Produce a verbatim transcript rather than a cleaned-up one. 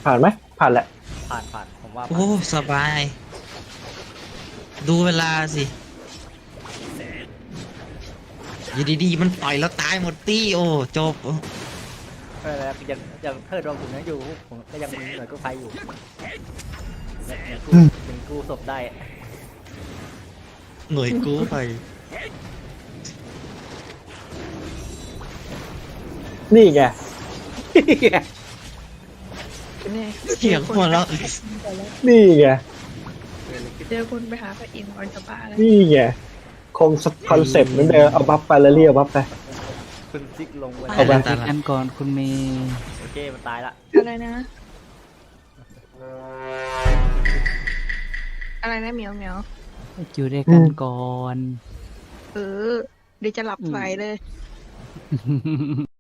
ผ่านไหมผ่านแหละผ่านผ่านผมว่าผ่านโอ้สบาย ดูเวลาสิอยู่ดีๆมันต่อยแล้วตายหมดตี้โอ้จบไม่เป็นไรครับยังยังเทิดว่าผมยังอยู่ผมก็ยังมีหน่วยกู้ภัยอยู่ยังยังกู้ยังกู้ศพได้หน่วยกู้ไปนี่ไงเนี่ยเสียงหัวเราะนี่ไงเจอคนไปหาพระอินทร์ก่อนจะบ้าเลยนี่ไงคงคอนเซ็ปต์เหมือนเดิมเอาบัฟไปแล้วเรียกบัฟไปคุณซิกลงไปเอาไปคุยกันก่อนคุณเมย์โอเคมันตายละอะไรนะ อะไรนะเหมียวเหมียวอยู่ด้วยกันก่อนเออเดี๋ยวจะหลับใส่เลย